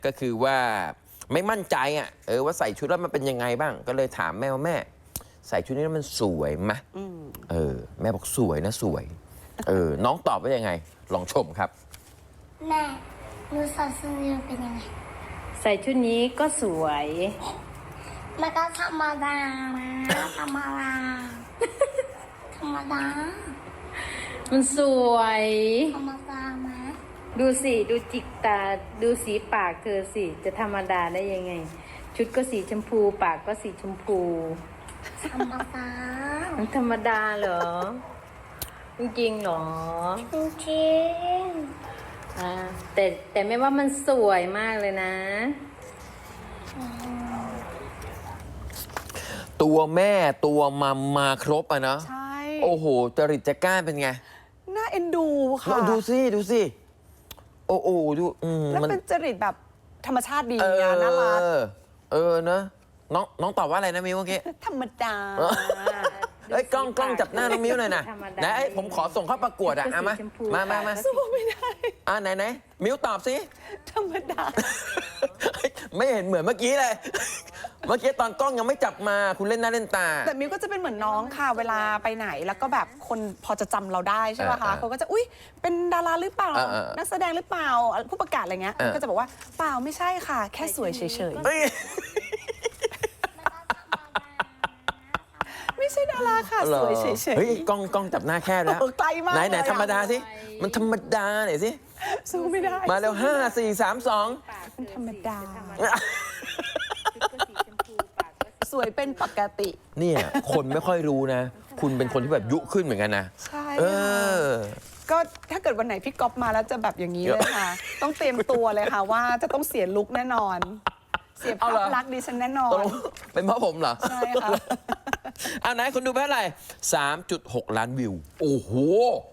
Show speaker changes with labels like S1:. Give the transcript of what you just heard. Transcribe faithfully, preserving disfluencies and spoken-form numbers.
S1: ก็คือว่าไม่มั่นใจอ่ะเออว่าใส่ชุดแล้วมันเป็นยังไงบ้างก็เลยถามแม่ว่าแม่ใส่ชุดนี้แล้วมันสวยไหมเออแม่บอกสวยนะสวยเออน้องตอบว่ายังไงลองชมครับ
S2: แม่หนูใส่ชุดนี้เป็นยังไง
S3: ใส่ชุดนี้ก็สวย
S2: มันก็ธรรมดานะธรรมดาธรรมดา
S3: มันสวย
S2: ธรรมดาไหม
S3: ดูสิดูจิกตาดูสีปากเธอสิจะธรรมดาได้ยังไงชุดก็สีชมพูปากก็สีชมพู
S2: ธรรมดา
S3: มันธรรมดาเหรอจริงๆเหรอ
S2: จริง
S3: อ่าแต่แต่ไม่ว่ามันสวยมากเลยนะ
S1: ตัวแม่ตัวมัมมาครบอ่ะเนาะ
S4: ใช่
S1: โอ้โหจริตจักร้าเป็นไง
S4: น่าเอ็นดูค่ะ
S1: ดูสิดูสิโอ้โหดู
S4: แล้วเป็นจริตแบบธรรมชาติดีนะน่ารัก
S1: เออเนอะน้องน้องตอบว่าอะไรนะมิวเมื่อกี้
S4: ธรรมดา
S1: เอ้ยกล้องกล้องจับหน้าน้องมิวหน่อยนะนะผมขอส่งเข้าประกวดอ่ะมามามามา
S4: สู้ไม่ได้
S1: อ่ะไหนไหนมิวตอบสิ
S4: ธรรมดา
S1: ไม่เห็นเหมือนเมื่อกี้เลยเมื่อกี้ตอนกล้องยังไม่จับมาคุณเล่นหน้าเล่นตา
S4: แต่มิวก็จะเป็นเหมือนน้องค่ะเวลาไปไหนแล้วก็แบบคนพอจะจำเราได้ใช่ป่ะคะเขาก็จะอุ๊ยเป็นดาราหรือเปล่านักแสดงหรือเปล่าผู้ประกาศอะไรเงี้ยก็จะบอกว่าเปล่าไม่ใช่ค่ะแค่สวยเฉยๆไม่ใช่ดาราค่ะสวยเฉยๆ
S1: เฮ้ยกล้องกล้องจับหน้าแค่แล้ว
S4: ไกลมาก
S1: ไหนไหนธรรมดาสิมันธรรมดาหน่อยสิ
S4: สู้ไม่ได้
S1: มาแล้วห้าสี่สามสอง
S4: มันธรรมดาสวยเป็นปกติ
S1: เนี่ยคนไม่ค่อยรู้นะคุณเป็นคนที่แบบยุขึ้นเหมือนกันนะ
S4: ใช่เออก็ถ้าเกิดวันไหนพี่ก๊อฟมาแล้วจะแบบอย่างนี้เลยค่ะต้องเตรียมตัวเลยค่ะว่าจะต้องเสียลุคแน่นอนเสียภาพลักษณ์ดิฉันแน่นอน
S1: เป็นเพราะผมเหรอ
S4: ใช่ค่ะ
S1: อ่าไหนคุณดูไปเท่าไหร่ สามจุดหก ล้านวิวโอ้โห